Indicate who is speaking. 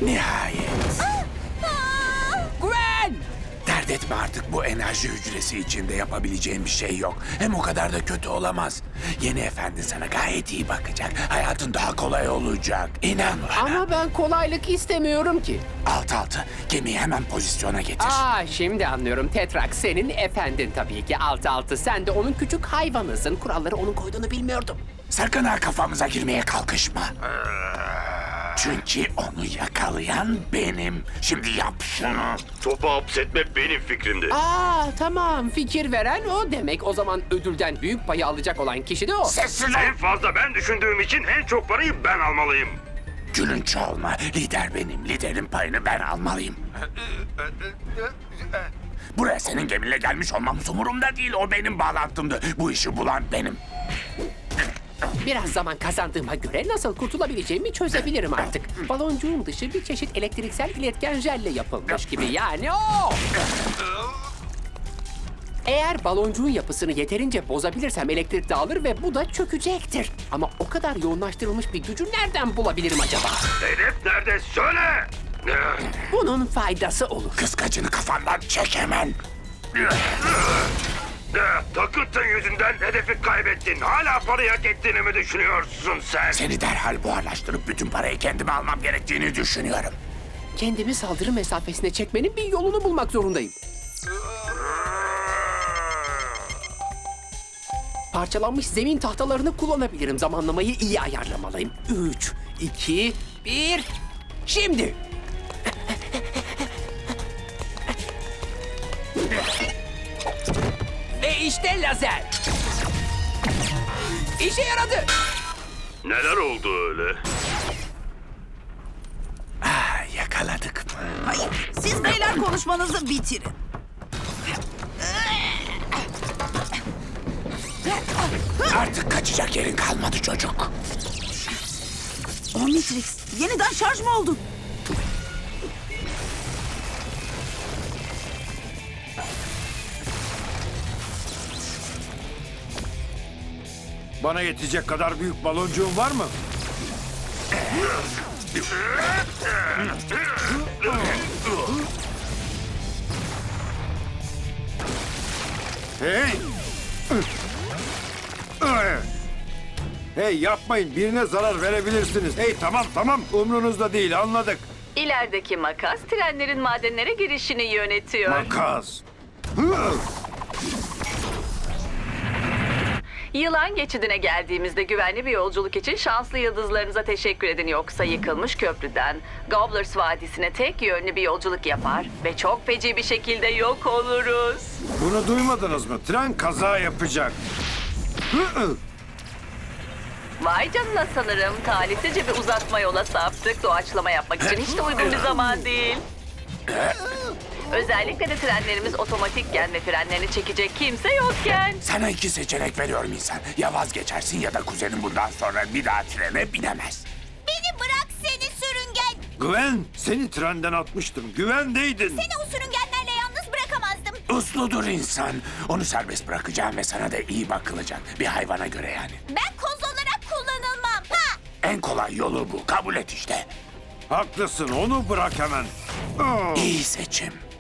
Speaker 1: Nihayet.
Speaker 2: Gwen!
Speaker 1: Dert etme artık, bu enerji hücresi içinde yapabileceğim bir şey yok. Hem o kadar da kötü olamaz. Yeni efendi sana gayet iyi bakacak. Hayatın daha kolay olacak. İnan bana.
Speaker 2: Ama ben kolaylık istemiyorum ki.
Speaker 1: Alt, gemiyi hemen pozisyona getir.
Speaker 2: Şimdi anlıyorum. Tetrak senin efendin tabii ki. Altı. Sen de onun küçük hayvanısın. Kuralları onun koyduğunu bilmiyordum.
Speaker 1: Sakın ha kafamıza girmeye kalkışma. Çünkü onu yakalayan benim. Şimdi yap şunu.
Speaker 3: Topu hapsetme benim fikrimdi.
Speaker 2: Tamam. Fikir veren o demek. O zaman ödülden büyük payı alacak olan kişi de o.
Speaker 1: Sessiz
Speaker 3: En
Speaker 1: ol.
Speaker 3: fazla ben düşündüğüm için en çok parayı ben almalıyım.
Speaker 1: Gülünç olma. Lider benim. Liderin payını ben almalıyım. Buraya senin geminle gelmiş olmam umurumda değil. O benim bağlantımdı. Bu işi bulan benim.
Speaker 2: Biraz zaman kazandığıma göre nasıl kurtulabileceğimi çözebilirim artık. Baloncuğun dışı bir çeşit elektriksel iletken jelle yapılmış gibi, yani o! Eğer baloncuğun yapısını yeterince bozabilirsem elektrik dağılır ve bu da çökecektir. Ama o kadar yoğunlaştırılmış bir gücü nereden bulabilirim acaba?
Speaker 3: Hedef nerede? Söyle!
Speaker 2: Bunun faydası olur.
Speaker 1: Kıskacını kafandan çek hemen.
Speaker 3: Takıntın yüzünden hedefi kaybettin. Hala parayı hak ettiğini mi düşünüyorsun sen?
Speaker 1: Seni derhal buharlaştırıp bütün parayı kendime almam gerektiğini düşünüyorum.
Speaker 2: Kendimi saldırı mesafesine çekmenin bir yolunu bulmak zorundayım. Parçalanmış zemin tahtalarını kullanabilirim. Zamanlamayı iyi ayarlamalıyım. 3, 2, 1... Şimdi! Ve işte lazer. İşe yaradı.
Speaker 3: Neler oldu öyle?
Speaker 1: Yakaladık.
Speaker 4: Siz beyler konuşmanızı bitirin.
Speaker 1: Artık kaçacak yerin kalmadı çocuk.
Speaker 4: Omnitrix, yeniden şarj mı oldun?
Speaker 5: Bana yetecek kadar büyük baloncuğun var mı? Hey! Hey, yapmayın, birine zarar verebilirsiniz. Hey, tamam, umrunuzda değil, anladık.
Speaker 6: İlerideki makas trenlerin madenlere girişini yönetiyor.
Speaker 5: Makas.
Speaker 6: Yılan geçidine geldiğimizde güvenli bir yolculuk için şanslı yıldızlarınıza teşekkür edin. Yoksa yıkılmış köprüden Gobblers Vadisi'ne tek yönlü bir yolculuk yapar ve çok feci bir şekilde yok oluruz.
Speaker 5: Bunu duymadınız mı? Tren kaza yapacak.
Speaker 6: Vay canına, sanırım talihsizce bir uzatma yola saptık. Doğaçlama yapmak için hiç de uygun bir zaman değil. Özellikle de trenlerimiz otomatikken ve frenlerini çekecek kimse yokken.
Speaker 1: Sana iki seçenek veriyorum insan. Ya vazgeçersin ya da kuzenin bundan sonra bir daha trene binemez.
Speaker 7: Beni bırak seni sürüngen.
Speaker 5: Gwen, seni trenden atmıştım. Güvendeydin.
Speaker 7: Seni o sürüngenlerle yalnız bırakamazdım.
Speaker 1: Usludur insan. Onu serbest bırakacağım ve sana da iyi bakılacak. Bir hayvana göre yani.
Speaker 7: Ben koz olarak kullanılmam. Ha!
Speaker 1: En kolay yolu bu. Kabul et işte.
Speaker 5: Haklısın, onu bırak hemen.
Speaker 1: İyi seçim.